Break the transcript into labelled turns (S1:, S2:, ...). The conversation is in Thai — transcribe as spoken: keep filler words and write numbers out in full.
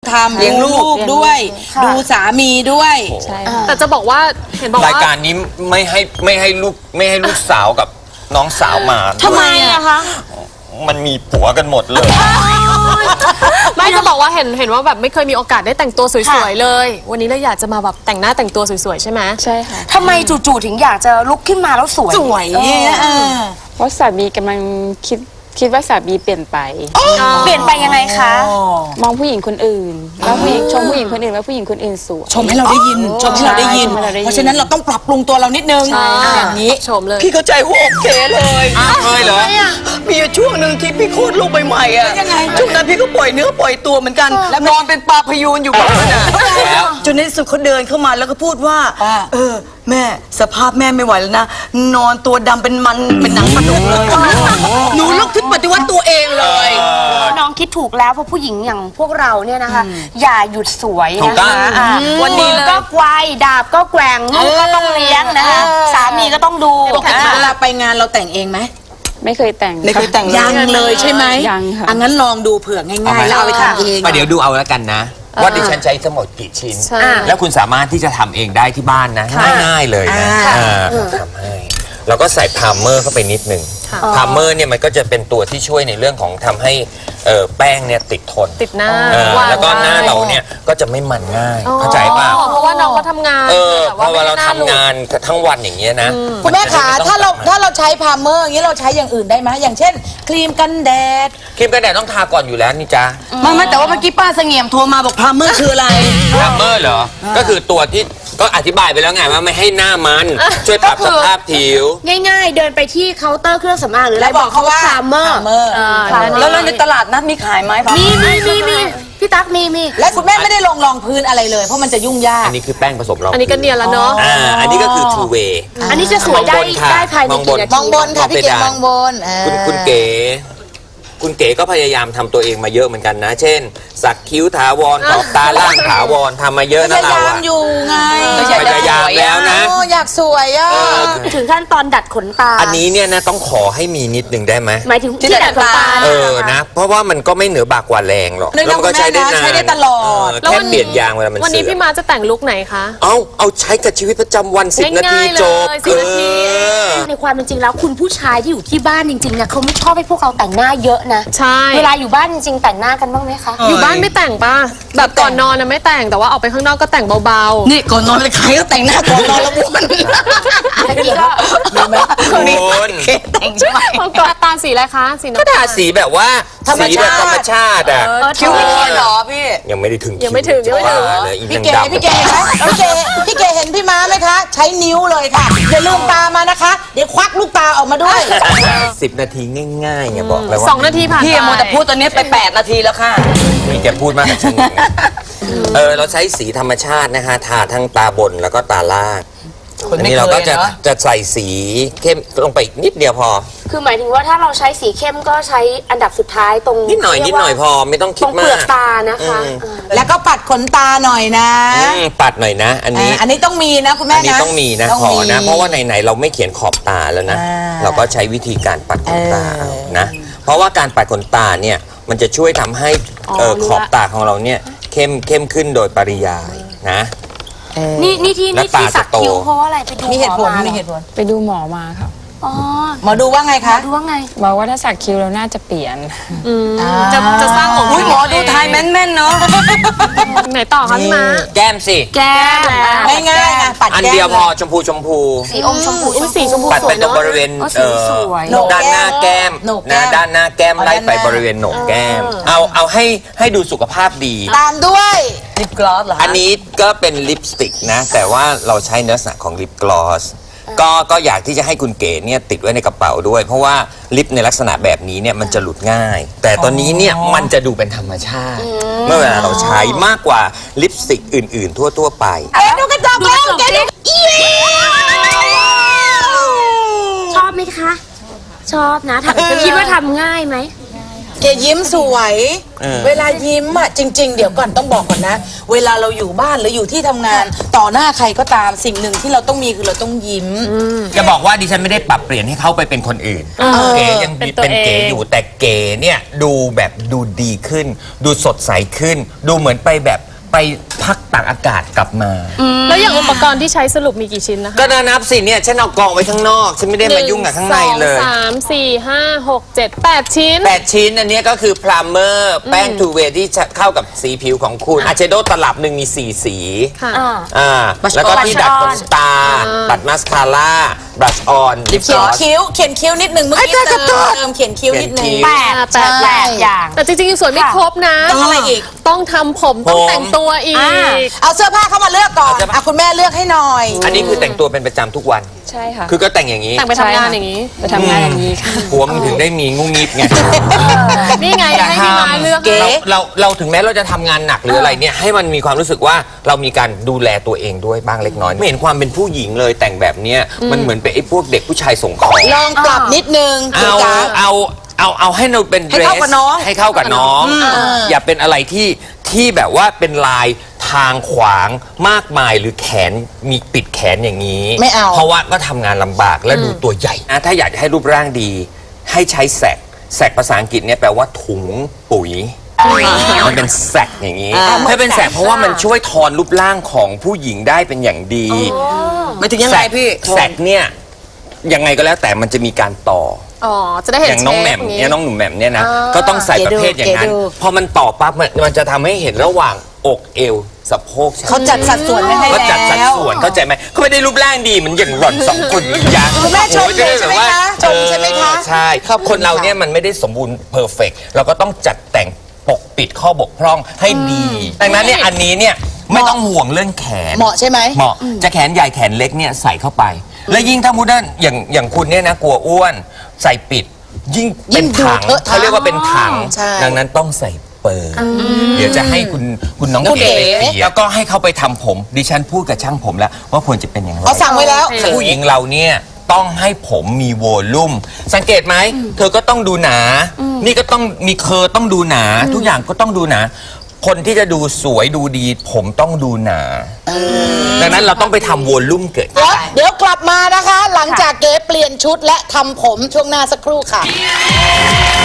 S1: ทำเลี้ยงลูกด้วยดูสามีด้วย
S2: แต่จะบอกว่าเห็นบอกว่าราย
S3: การนี้ไม่ให้ไม่ให้ลูกไม่ให้ลูกสาวกับน้องสาวมา
S2: ทำไมอะคะ
S3: มันมีผัวกันหมดเลย
S2: ไม่จะบอกว่าเห็นเห็นว่าแบบไม่เคยมีโอกาสได้แต่งตัวสวยๆเลยวันนี้เราอยากจะมาแบบแต่งหน้าแต่งตัวสวยๆใช่ไหม
S4: ใช่ค่ะ
S5: ทำไมจู่ๆถึงอยากจะลุกขึ้นมาแล้วสวย
S1: สวย
S4: เพราะสามีกำลังคิดคิดว่าสามีเปลี่ยนไป
S5: เปลี่ยนไปยังไงคะ
S4: มองผู้หญิงคนอื่นแล้วผู้หญิงชมผู้หญิงคนอื่นว่าผู้หญิงคนอื่นสวย
S1: ชมให้เราได้ยินชมให้เราได้ยินเพราะฉะนั้นเราต้องปรับปรุงตัวเรานิดนึงอย่างนี้
S2: ชมเลย
S6: พี่เข้าใจหัวอกเจ๊เลย
S3: เคยเหรอ
S6: มีช่วงหนึ่งที่พี่โคตรลูกใหม่ๆอ่ะช่วงนั้นพี่ก็ปล่อยเนื้อปล่อยตัวเหมือนกันแล้วนอนเป็นปลาพยูนอยู่บ้านน่ะจนในสุดเขาเดินเข้ามาแล้วก็พูดว่าเออแม่สภาพแม่ไม่ไหวแล้วนะนอนตัวดำเป็นมันเป็นหนังปลาดุกเลยหนูลุกขึ้นปฏิวัติตัวเองเลย
S5: น้องคิดถูกแล้วเพราะผู้หญิงอย่างพวกเราเนี่ยนะคะอย่าหยุดสวยนะคะวันนี้ก็ไกวดาบก็แกว่งลูกก็ต้องเลี้ยงนะคะสามีก็ต้องดู
S1: เวลาไปงานเราแต่งเองไหม
S4: ไม่เคยแต่ง
S1: ไม่เคยแต่งยังเลยใช่ไหม
S4: ยังค่ะ
S1: อันนั้นลองดูเผื่อง่ายๆแล้วเอาไปทำเอง
S3: เดี๋ยวดูเอาแล้วกันนะว่าดิฉันใช้ทั้งหมดกี่ชิ้นแล้วคุณสามารถที่จะทำเองได้ที่บ้านนะง่ายๆเลยนะทำให้เราก็ใส่พรามเมอร์เข้าไปนิดนึงพรามเมอร์เนี่ยมันก็จะเป็นตัวที่ช่วยในเรื่องของทำให้แป้งเนี่ยติดทน
S2: ติดหน้า
S3: แล้วก็หน้าเราเนี่ยก็จะไม่มันง่ายเข้าใจป่ะ
S2: เพราะว่าน้องก็ทำงาน
S3: เออเพราะว่าเราทำงานทั้งวันอย่างเงี้ยนะ
S1: คุณแม่ขาถ้าเราถ้าเราใช้พรามเมอร์อย่างนี้เราใช้อย่างอื่นได้ไหมอย่างเช่นครีมกันแดด
S3: ครีมกันแดดต้องทาก่อนอยู่แล้วนี่จ้า
S6: ไม่ไม่แต่ว่าเมื่อกี้ป้าเสงี่ยมโทรมาบอกพรามเมอร์คืออะไร
S3: พรามเมอร์เหรอก็คือตัวที่ก็อธิบายไปแล้วไงว่าไม่ให้หน้ามันช่วยปรับสภาพผิว
S5: ง่ายๆเดินไปที่เคาน์เตอร์เครื่องสำอางหรืออะไรบอกเขาว่าพรามเมอร์
S6: แล้วในตลาดนัดมีขายไหม
S5: มีมีมีมีพี่ตั๊กมีมี
S1: และคุณแม่ไม่ได้ลงรองพื้นอะไรเลยเพราะมันจะยุ่งยาก
S3: อันนี้คือแป้งผสมรอง
S2: อันนี้ก็เนียนแล้วเนาะ
S3: อ่าอันนี้ก็คือ two way
S5: อันนี้จะสวยได้ได้ภายในกี่นาที
S1: มองบนค่ะพี่เก๋มองบน
S3: คุณคุณเก๋คุณเก๋ก็พยายามทำตัวเองมาเยอะเหมือนกันนะเช่นสักคิ้วถาวรขอบตาล่างถาวรทำมาเยอะนะเรา
S1: พยายามอยู่ไง
S3: พยายามแล้วนะ
S1: อยากสวยอ่ะ
S5: ถึงขั้นตอนดัดขนตา
S3: อันนี้เนี่ยนะต้องขอให้มีนิดนึงได้ไหม
S5: หมายถึงที่ดัดขนตา
S3: เออนะเพราะว่ามันก็ไม่เหนือบากกว่าแรงหรอก
S1: แล้วมันก็ใช้ได้นานใช้ได้ตลอด
S3: แค่เปลี่ยนยางเวลามันเสื่อม
S2: วันนี้พี่มาจะแต่งลุคไหนคะ
S3: เอาเอาใช้กับชีวิตประจำวันสิบนาทีจบ
S5: ในความเป็นจริงแล้วคุณผู้ชายที่อยู่ที่บ้านจริงๆเนี่ยเขาไม่ชอบให้พวกเราแต่งหน้าเยอะนะ
S2: ใช่
S5: เวลาอยู่บ้านจริงๆแต่งหน้ากันบ้างไหมคะ
S2: อยู่บ้านไม่แต่งป่ะแบบก่อนนอนนะไม่แต่งแต่ว่าออกไปข้างนอกก็แต่งเบา
S6: ๆนี่ก่อนนอนเลยใครก็แต่งหน้าก่อนนอนแล้วบ้วน
S1: มีไหม
S3: คนนี้
S6: แต่งใช่ไหม
S2: ก่อนตาสีอะไรคะสีน้ำ
S3: ก็ทาสีแบบว่าสีแบบธรรมชาติอ่ะ
S6: คิ้วไม่เขียนหรอพี่
S3: ยังไม่ได้ถึง
S2: ยังไม่ถึงยังไม่ถึง
S1: พี่เก๋พี่เก๋ไหมพี่เก๋พี่เก๋เห็นพี่ม้าไหมคะใช้นิ้วเลยค่ะอย่าลืมตามานะคะเดี๋ยวควักลูกตาออกมาด้วย
S3: สิบนาทีง่ายๆอย่าบอกเลยว่า
S2: สองนาทีผ่านไป
S6: พี่โมจะพูดตอนนี้ไปแปดนาทีแล้วค่ะ
S3: นี่แกพูดมากกับฉันเออเราใช้สีธรรมชาตินะคะทาทั้งตาบนแล้วก็ตาล่างอันนี้เราก็จะจะใส่สีเข้มลงไปอีกนิดเดียวพอ
S5: คือหมายถึงว่าถ้าเราใช้สีเข้มก็ใช้อันดับสุดท้ายตรง
S3: นิดหน่อยนิดหน่อยพอไม่ต้องคิดมากตรงเป
S5: ลือกตานะคะ
S1: แล้วก็ปัดขนตาหน่อยนะ
S3: ปัดหน่อยนะอันนี้
S1: อันนี้ต้องมีนะคุณแม่นะ
S3: อันนี้ต้องมีนะขอนะเพราะว่าไหนๆเราไม่เขียนขอบตาแล้วนะเราก็ใช้วิธีการปัดขนตาเอานะเพราะว่าการปัดขนตาเนี่ยมันจะช่วยทำให้ขอบตาของเราเนี่ยเข้มเข้มขึ้นโดยปริยายนะ
S5: นี่นี่ที่นี่ที่สักคิ้วเพราะว่าอะไรไปดู
S1: มีเหตุผลมีเหตุผล
S4: ไปดูหมอมาค่ะ
S5: อ๋อ
S1: หมอดูว่าไงคะ
S5: ดูว่าไง
S4: บอกว่าถ้าสักคิ้วเราน่าจะเปลี่ยน
S2: จะจะสร้างองค์
S6: หมอดูไทยแม่นๆเนาะ
S2: ไหนต่อคะพี่ม้า
S3: แก้มสิ
S5: แก้ม
S1: ง่ายๆนะปัดแก้ม
S3: อันเดียวพอชมพูชมพู
S5: สีอมชมพู
S2: สีชมพู
S3: ปัดไปตรงบริเวณด้านหน้าแก้มนะด้านหน้าแก้มไล่ไปบริเวณโหนกแก้มเอาเอาให้ให้ดูสุขภาพดี
S1: ตามด้วย
S6: ลิปกลอสเหรอ
S3: อันนี้ก็เป็นลิปสติกนะแต่ว่าเราใช้เนื้อสักของลิปกลอสก็ก็อยากที่จะให้คุณเก๋เนี่ยติดไว้ในกระเป๋าด้วยเพราะว่าลิปในลักษณะแบบนี้เนี่ยมันจะหลุดง่ายแต่ตอนนี้เนี่ยมันจะดูเป็นธรรมชาติเมื่อเวลาเราใช้มากกว่าลิปสติกอื่นๆทั่วๆไป
S1: เก๋ดูกระจกแล้วเก๋ดู
S5: ชอบไหมคะชอบนะคิดว่าทำง่ายไหม
S1: เกยิ้มสวย เวลายิ้มอ่ะจริง ๆ เดี๋ยวก่อนต้องบอกก่อนนะ เวลาเราอยู่บ้านหรืออยู่ที่ทำงานต่อหน้าใครก็ตามสิ่งหนึ่งที่เราต้องมีคือเราต้องยิ้ม
S3: จะบอกว่าดิฉันไม่ได้ปรับเปลี่ยนให้เขาไปเป็นคนอื่น เก๋ยัง
S2: เป็นตัว
S3: เป็นเก๋
S2: เอง
S3: อยู่แต่เก๋เนี่ยดูแบบดูดีขึ้น ดูสดใสขึ้น ดูเหมือนไปแบบไปพักตากอากาศกลับมา
S2: แล้วอย่างอุปกรณ์ที่ใช้สรุปมีกี่ชิ้นนะคะ
S3: ก็นับสิเนี่ยฉันเอากองไว้ข้างนอก ฉันไม่ได้มายุ่งกับข้างในเลย
S2: หนึ่งสองสามสี่ห้าหกเจ็ดแปดชิ้น
S3: แปดชิ้นอันเนี้ยก็คือพรามเมอร์แป้งทูเวย์ที่จะเข้ากับสีผิวของคุณอาเชโดตลับหนึ่งมีสี่สี
S2: ค่ะ
S3: อ่าแล้วก็ที่ดัดขนตาดัดมาสคาร่าบลัชออนลิป
S1: เขี
S3: ก
S1: ย
S3: ล
S1: น
S3: อส
S1: คิ้วเขียนคิ้วนิดนึงเมื่อกี้เติมเติมเขียนคิ้วนิดนึง
S3: เขียนคิ้ว
S5: แปด
S2: แปด
S5: แปดอย่าง
S2: แต่จริงๆยังสวยไม่ครบนะ
S1: ต้องอะไรอีก
S2: ต้องทำผมต้อง
S3: ผม
S2: แต่งตัวอีก
S1: เอาเสื้อผ้าเข้ามาเลือกก่อนอ่ะคุณแม่เลือกให้หน่อย
S3: อันนี้คือแต่งตัวเป็นประจำทุกวัน
S4: ใช่ค่ะ
S3: คือก็แต่งอย่างนี้
S2: แต่งไปทำงานอย่างนี้
S4: ไปทำงานอย่างนี้ค่ะ
S3: หัวมันถึงได้มีงุ้งงิบไง
S2: นี่ไงให้พี่มาเลือก
S3: เราเราเราถึงแม้เราจะทำงานหนักหรืออะไรเนี่ยให้มันมีความรู้สึกว่าเรามีการดูแลตัวเองด้วยบ้างเล็กน้อย ไม่เห็นความเป็นผู้หญิงเลยแต่งแบบเนี้ยมันเหมือนเป็นไอ้พวกเด็กผู้ชายส่งของ
S1: ลองปรับนิดนึงคุณ
S3: เอา
S1: จ๋า
S3: เอาเอาเอาให้เราเป็น
S1: ให้เข้ากับน้อง
S3: ให้เข้ากับน้อง อย่าเป็นอะไรที่ที่แบบว่าเป็นลายทางขวางมากมายหรือแขนมีปิดแขนอย่างนี้
S1: ไม่เอา
S3: เพราะว่าก็ทำงานลำบากและดูตัวใหญ่นะถ้าอยากจะให้รูปร่างดี ให้ใช้แสกแสกภาษาอังกฤษเนี่ยแปลว่าถุงปุ๋ยมันเป็นแสกอย่างนี้ถ้าเป็นแสกเพราะว่ามันช่วยทอนรูปร่างของผู้หญิงได้เป็นอย่างดี
S6: ไม่ถึงยังไงพี่
S3: แสกเนี่ยยังไงก็แล้วแต่มันจะอการต่อ
S2: อ๋อ จะได้เห็น
S3: อย่างน้องแหม่ม
S2: เชฟ
S3: เนี่ยน้องหนุ่มแหม่มเนี่ยนะ
S2: อ่า
S3: ก็ต้องใส่ประเภทอย่างนั้น
S1: เก๋ดู
S3: พอมันต่อปั๊บมันมันจะทำให้เห็นระหว่างอกเอวสะโพก
S1: เขาจัดสัดส่วนไว้ให้
S3: ก็
S1: แล้ว
S3: จัดสัดส่วนเข้าใจไหมเขาไม่ได้รูปร่างดีเหมือนอย่างหล่อนสองคนอีกอย่าง
S1: คุณแม่ชม
S3: โอ้ยจะด้
S1: ใช่ไหม
S3: แบบว่า
S1: คะชมใช่ไหมคะ
S3: เออใช่
S1: ขอบคุณ
S3: คนเรา
S1: ค่ะ
S3: เนี่ยมันไม่ได้สมบูรณ์เพอร์เฟกเราก็ต้องจัดแต่งปกปิดข้อบกพร่องให้ดีดังนั้นเนี่ยอันนี้เนี่ยไม่ต้องห่วงเรื่องแขน
S1: เหมาะใช่ไหม
S3: เหมาะจะแขนใหญ่แขนเล็กเนี่ยใส่เข้าไป และยิ่งถ้ามุดนอย่างอย่างคุณเนี่ยนะกลัวอ้วนใส่ปิด ยิ่งเป็นถัง
S1: ยิ่งดูเถอะถัง
S3: เขาเรียกว่าเป็นถัง
S1: ใช่
S3: ดังนั้นต้องใส่เปิดเดี๋ยวจะให้คุณคุณน้อง
S1: น้องเก๋
S3: เก๋ไปเสียแล้วก็ให้เขาไปทำผม ดิฉันพูดกับช่างผมแล้วว่าควรจะเป็นอย่างไร
S1: เขาสั่งไว้แล้ว
S3: ผู้หญิงเราเนี่ยต้องให้ผมมีโวลุ่มสังเกตไหมเธอก็ต้องดูหนา นี่ก็ต้องมีเคอร์ต้องดูหนา ทุกอย่างก็ต้องดูหนา คนที่จะดูสวยดูดี ผมต้องดูหนา ดังนั้นเราต้องไปทำวอลลุ่มเกิด
S1: เดี๋ยวเดี๋ยวกลับมานะคะ หลังจากเก๋เปลี่ยนชุดและทำผมช่วงหน้าสักครู่ค่ะ